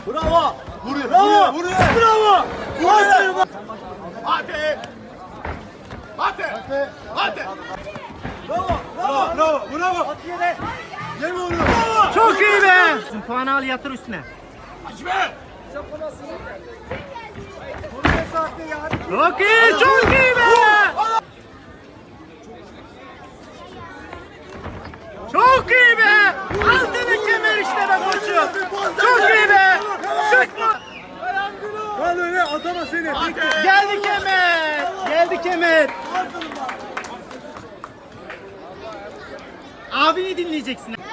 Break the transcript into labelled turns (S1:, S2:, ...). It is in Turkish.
S1: Bravo.
S2: Vuruyor.
S1: Bravo.
S2: Vuruyor.
S1: Bravo.
S2: Vuruyor.
S3: Hadi. Hadi. Hadi.
S1: Bravo.
S2: Bravo. Bravo. Bravo.
S1: At yere.
S2: Yeme onu.
S4: Çok iyi be. Puanı al yatır üstüne.
S3: Açme.
S4: Çok iyi, çok iyi be. Çok iyi be. Altını kemer işte be koçum. Çok iyi be. Sıkma.
S2: Lan öyle atama seni.
S4: Geldi kemer. Geldi kemer. Abini dinleyeceksin.